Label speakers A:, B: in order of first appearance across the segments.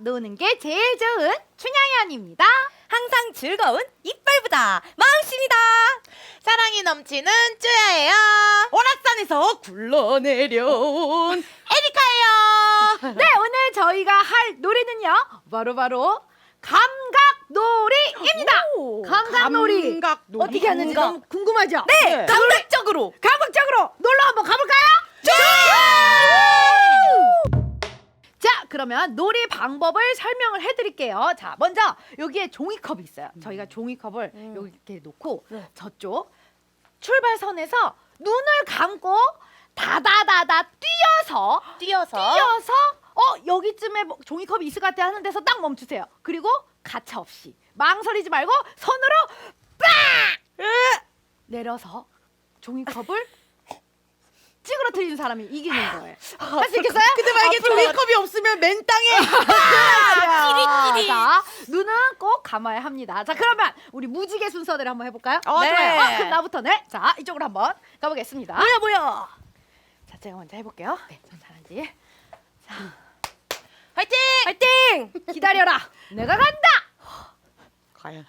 A: 노는 게 제일 좋은 춘향연입니다.
B: 항상 즐거운 이빨보다 마음씨입니다.
C: 사랑이 넘치는 쭈야예요.
B: 오락산에서 굴러내려온 에리카예요.
A: 네, 오늘 저희가 할 노래는요. 바로 감각놀이입니다. 감각놀이.
B: 감각놀이.
A: 어떻게 하는지 너무 궁금하죠?
B: 네, 감각적으로.
A: 감각적으로 놀러 한번 가볼까요? 자, 그러면 놀이 방법을 설명을 해드릴게요. 자, 먼저 여기에 종이컵이 있어요. 저희가 종이컵을 여기 이렇게 놓고 저쪽 출발선에서 눈을 감고 다다다다 뛰어서 여기쯤에 뭐 종이컵이 있을 것 같아 하는 데서 딱 멈추세요. 그리고 가차 없이 망설이지 말고 손으로 빡 내려서 종이컵을 찌그러뜨리는 사람이 이기는 거예요. 할 수 있겠어요?
B: 근데 만약에 종이컵이 없으면 맨 땅에
A: 자, 눈은 꼭 감아야 합니다. 자, 그러면 우리 무지개 순서대로 한번 해볼까요?
B: 네.
A: 좋아요. 그럼 나부터 자, 이쪽으로 한번 가보겠습니다.
B: 뭐야.
A: 자, 제가 먼저 해볼게요. 네, 전 잘하지. 자,
B: 화이팅! 화이팅!
A: 기다려라. 내가 간다.
B: 과연.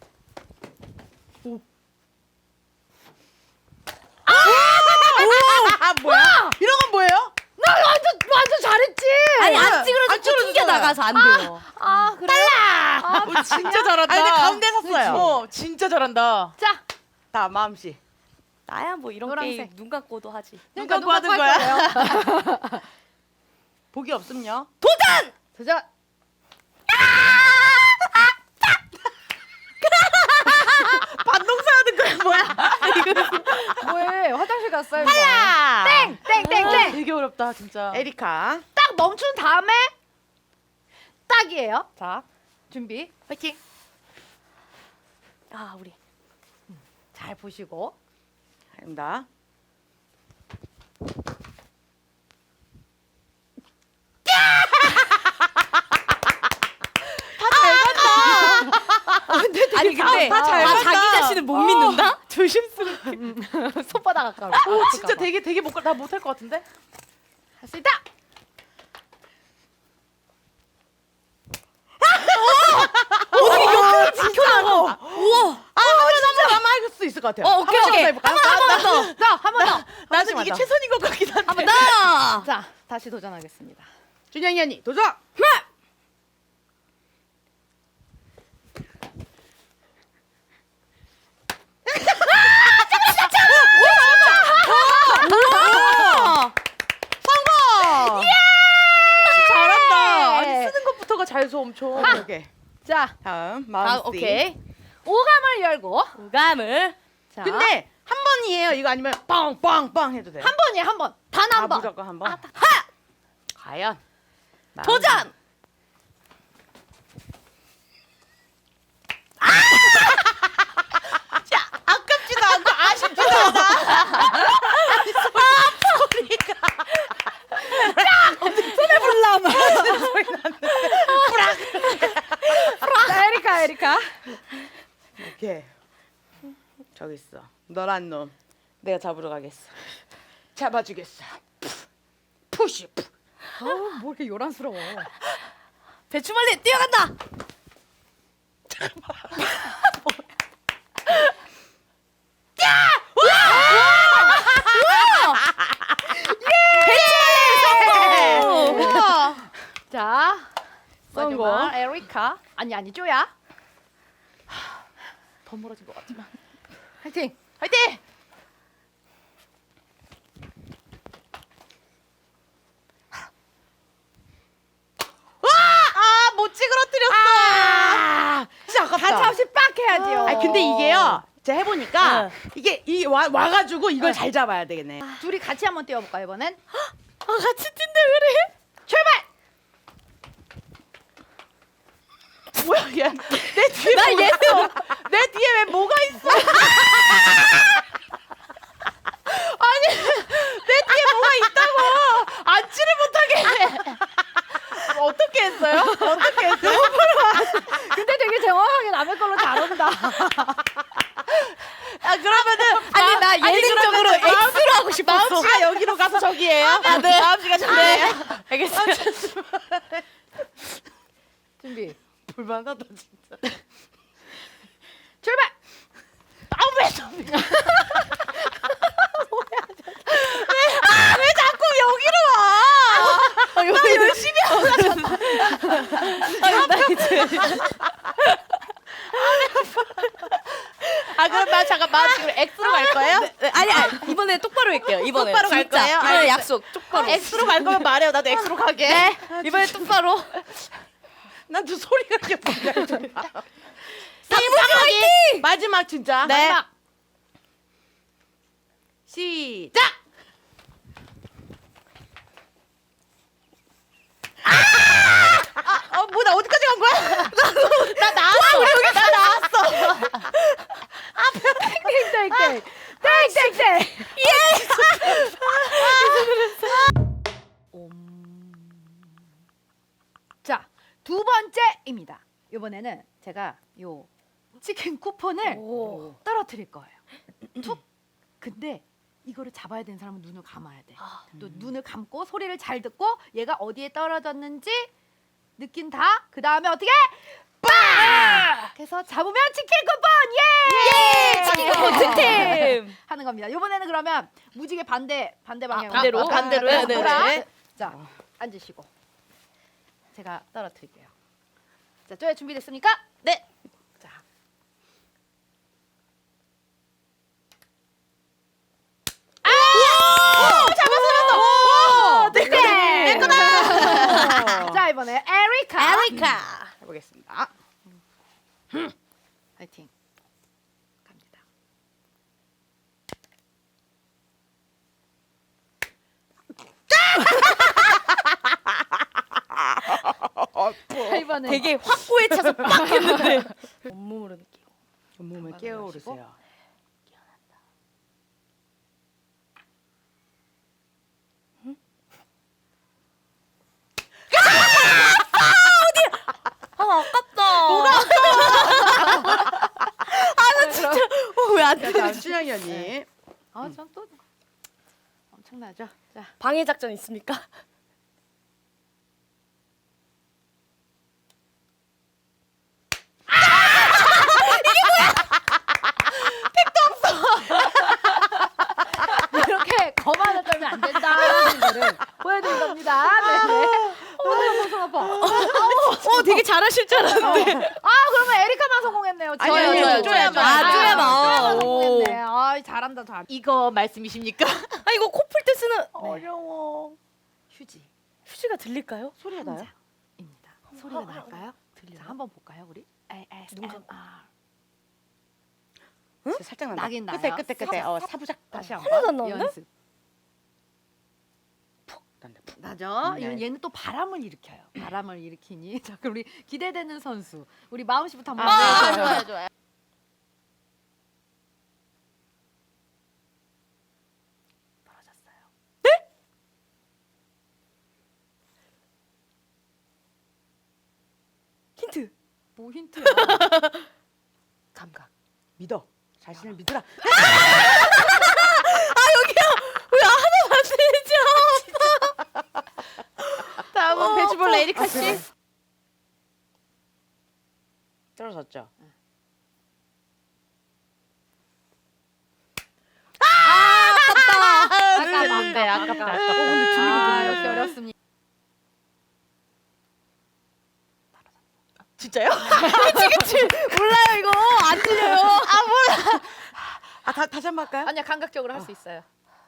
B: 뭐야? 이런 건 뭐예요?
A: 나 완전 잘했지.
B: 아니 안 찌그러져 튕겨 나가서 안 돼요.
A: 아, 그래? 빨라.
C: 진짜 잘한다.
B: 아니 근데 가운데 섰어요.
C: 진짜 잘한다.
A: 자,
B: 다 마음씨.
D: 나야 뭐 이런
A: 노란색.
D: 게임 눈 감고도 하지.
B: 눈
A: 그러니까
B: 감고 하는
A: 누가
B: 거야?
A: 할 거예요?
B: 복이 없음요.
A: 도전.
B: 반동사 하는 거야 뭐야?
A: 뭐해? 화장실 갔어요.
B: 야!
A: 땡.
C: 되게 어렵다 진짜.
B: 에리카.
A: 딱 멈춘 다음에 딱이에요.
B: 자,
A: 준비.
B: 화이팅.
D: 아 우리
A: 잘 보시고.
B: 합니다.
D: 아니 근데
B: 잘
D: 자기
B: 간다.
D: 자신을 못 믿는다?
B: 조심스럽게.
A: 손바닥 가까워.
C: 진짜 되게 나 못할 것 같은데.
A: 할 수 있다.
B: 지켜나가. 우와. 한번 할 수 있을 것 같아요.
D: 오케이.
B: 한번 더.
A: 자, 한 번 더.
B: 나는 이게 최선인 것 같긴 한데.
D: 한번 더.
A: 자, 다시 도전하겠습니다.
B: 준영이 언니 도전. 성공!
C: 잘한다. 아니 쓰는 것부터가 잘 써 엄청.
B: 오케이.
A: 자,
B: 다음 마음씨.
D: 오케이.
A: 오감을 열고.
D: 오감을.
A: 자,
B: 근데 한 번이에요. 이거 아니면 빵빵빵 해도 돼요.
A: 한 번이에요, 한 번. 단 한 번.
B: 무조건 한 번. 과연.
D: 도전.
B: 아깝지도 않고 아쉽지도 않아.
A: 자, 에리카.
B: 오케이. 저기 있어. 너란 놈. 내가 잡으러 가겠어. 잡아주겠어. 푸시.
A: 뭐 이렇게 요란스러워.
D: 배추멀리 뛰어간다.
A: 자,
B: 성공.
A: 마지막 에리카. 아니, 쪼야.
C: 더 멀어진 것 같지만.
A: 화이팅.
C: 화이팅!
B: 아, 못 찌그러뜨렸어. 진짜 아깝다.
A: 가차 없이 빡 해야지요.
B: 아, 근데 이게요. 제가 해보니까
D: 네.
B: 이게 와가지고 이걸 잘 잡아야 되겠네.
A: 둘이 같이 한번 뛰어볼까 이번엔?
D: 아 같이 뛴다 그래.
A: 출발!
B: 뭐야, 얘. 내 뒤에 뭐가 있어? 내 뒤에 왜 뭐가 있어? 아니, 내 뒤에 뭐가 있다고. 앉지를 못하게 해. 어떻게 했어요? 어떻게 했어요?
A: 근데 되게 정확하게 남의 걸로 잘한다.
B: 아, 그러면은.
D: 아니 나 예능적으로 X로 하고 싶었어.
B: 마음씨가 여기로 가서 저기예요? 네. 마음씨가 저기예요?
D: 알겠어요.
A: 준비.
C: 불만하다 진짜.
A: 출발.
C: 아왜 저리?
D: 여기 열심히
C: 아 그럼 나 잠깐만 지금 X로 갈 거예요?
D: 아니 이번에 똑바로 할게요. 이번에
C: 똑바로 갈
D: 진짜.
C: 거예요?
D: 이번에
C: 알겠어요.
D: 약속 똑바로.
C: X로 갈 거면 말해요. 나도 X로 가게.
D: 네. 이번에 똑바로.
C: 난또 소리가 이렇게 뭐냐.
D: 이모지 화이팅!
C: 마지막 진짜.
D: 네.
A: 마지막.
C: 시작. 뭐 나 어디까지 간 거야? 나 나왔어. 우리 여기 나 나왔어.
A: 땡땡땡. 땡땡땡. 자, 두 번째입니다. 이번에는 제가 요 치킨 쿠폰을
D: 오.
A: 떨어뜨릴 거예요. 툭. 근데 이거를 잡아야 되는 사람은 눈을 감아야 돼. 또 눈을 감고 소리를 잘 듣고 얘가 어디에 떨어졌는지 느낀다. 그 다음에 어떻게? 빵! 그래서 잡으면 치킨 쿠폰 예!
D: 치킨 쿠폰 득템.
A: 하는 겁니다. 이번에는 그러면 무지개 반대 방향으로
D: 반대로? 반대로요? 네,
A: 돌아.
D: 네.
A: 자, 앉으시고 제가 떨어뜨릴게요. 자, 쪼야 준비됐습니까?
D: 네.
A: 자. 네. 자, 이번에 에리카.
D: 에리카.
A: 해보겠습니다. 화이팅. 갑니다. 자, 이번에
D: 되게 확고에 차서 빡 했는데. 온몸으로 느끼고.
C: 몸을 깨워오르세요.
D: 아 아깝다. 뭐가 아나 진짜 왜안
C: 자,
D: 돼?
C: 다음 춘향이 언니.
A: 전 또 엄청나죠. 자,
D: 방해 작전 있습니까?
A: 이렇게 거만을 떨면 안 된다는 거를 보여드린 겁니다. 네네. 손 아파.
D: 되게 잘하실 줄 알았는데.
A: 그러면 에리카만 성공했네요.
C: 아니요, 쪼야만.
D: 쪼야만.
A: 성공했네. 잘한다, 잘.
C: 이거 말씀이십니까?
D: 아 이거 코 풀 때 쓰는
C: 어려워.
A: 휴지.
D: 휴지가 들릴까요?
C: 소리가 나요?
A: 입니다. 소리가 날까요? 자, 한번 볼까요, 우리? ASMR.
C: 살짝 난다.
A: 나긴 나요.
C: 끝에. 사부작.
A: 다시
D: 하나도 안
A: 한번
D: 나오는데?
A: 연습.
C: 난다. 푹.
A: 나죠?
C: 네.
A: 얘는 또 바람을 일으켜요. 바람을 일으키니. 자, 그럼 우리 기대되는 선수. 우리 마음 씨부터 한번
C: 네,
A: 해주세요.
C: 좋아요.
A: 떨어졌어요.
D: 힌트.
A: 뭐 힌트야?
C: 감각. 믿어. 자신을 믿으라.
D: 왜 하나도 안 들리죠?
C: 다음은 배추볼 에리카 씨. 떨어졌죠.
A: 아깝다.
C: 아깝다.
A: 이렇게 어렵습니다.
C: 진짜요?
D: 몰라요 이거 안 들려요.
C: 다시 한번 할까요?
A: 아니야, 감각적으로 할 수 있어요.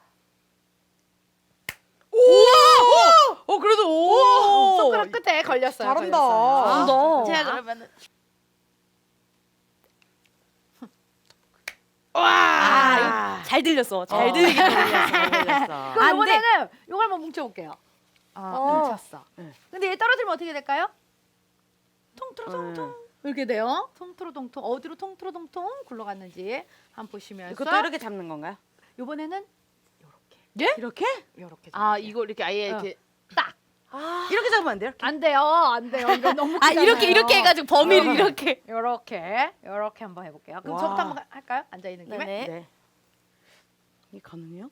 C: 오! 그래도 오!
A: 손가락 끝에 걸렸어요.
C: 잘한다.
A: 걸렸어요.
D: 잘한다.
C: 제가 그러면은 와!
D: 잘 들렸어. 잘
C: 잘
D: 들리게.
C: 들렸어.
A: 그럼
D: 안 돼.
A: 이번에는 이걸 한번 뭉쳐볼게요. 뭉쳤어.
C: 네.
A: 근데 얘 떨어지면 어떻게 될까요? 통트로통통 이렇게 돼요. 통트로통통 어디로 통트로통통 굴러갔는지 한번 보시면서
C: 이것도 이렇게 잡는 건가요?
A: 이번에는
C: 예? 이렇게?
A: 이렇게
C: 아, 이거 이렇게 아예 이렇게 딱. 이렇게 잡으면 안 돼요?
A: 안 돼요, 안 돼요. 이거 너무
D: 아 이렇게 해가지고 범위를 이렇게.
A: 이렇게 한번 해볼게요. 그럼
C: 와.
A: 저부터 한번 할까요? 앉아 있는 김에.
D: 네네.
C: 이게 가능해요?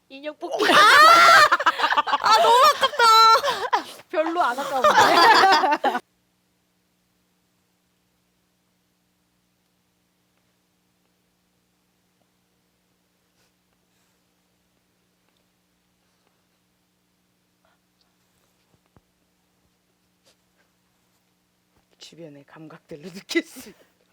B: 인형 뽑기.
A: 별로 안 아까운데.
B: 주변의 감각들로 느낄 수.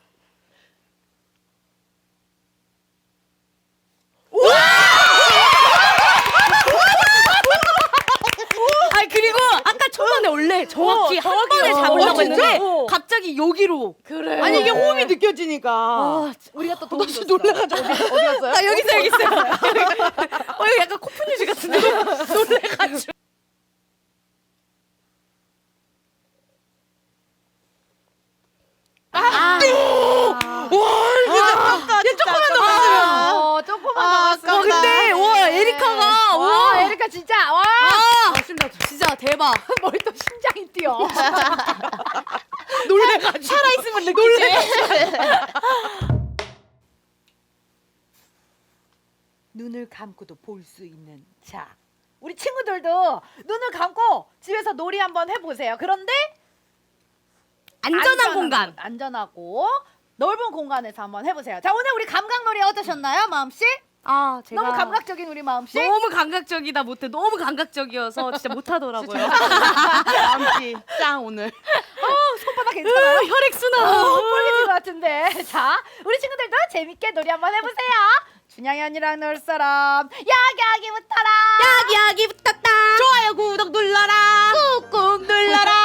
D: 아니 그리고 아까 초반에 원래 정확히 한 번에 잡으려고 했는데 갑자기 여기로.
B: 그래. 아니 이게 호흡이 느껴지니까.
A: 우리가 또
B: 나 진짜 놀라가지고 어디 갔어요?
D: 아 여기 있어요. 이거 약간 코프뉴즈 같은데. 놀래가지고.
B: 조금만 더 봤으면.
A: 조금만
B: 아,
A: 더.
B: 아깝다.
D: 근데 와 에리카가
A: 와, 에리카 진짜 와.
D: 진짜 대박.
A: 머리 또 심장이 뛰어.
B: 놀래가지고.
D: 살아있으면 느끼지.
A: 눈을 감고도 볼 수 있는. 자, 우리 친구들도 눈을 감고 집에서 놀이 한번 해보세요. 그런데
D: 안전한 공간.
A: 안전하고 넓은 공간에서 한번 해보세요. 자, 오늘 우리 감각놀이 어떠셨나요, 마음씨?
D: 아 제가
A: 너무 감각적인 우리 마음씨?
D: 너무 감각적이다 못해. 너무 감각적이어서 진짜 못하더라고요.
B: 다음씨 짱 오늘.
A: 손바닥 괜찮아요?
D: 혈액순환.
A: 뻘개진 것 같은데. 자, 우리 친구들도 재밌게 놀이 한번 해보세요. 준양이 언니랑 놀 사람 야기야기 붙어라.
D: 야기 붙었다.
B: 좋아요 구독 눌러라.
A: 꾹꾹 눌러라.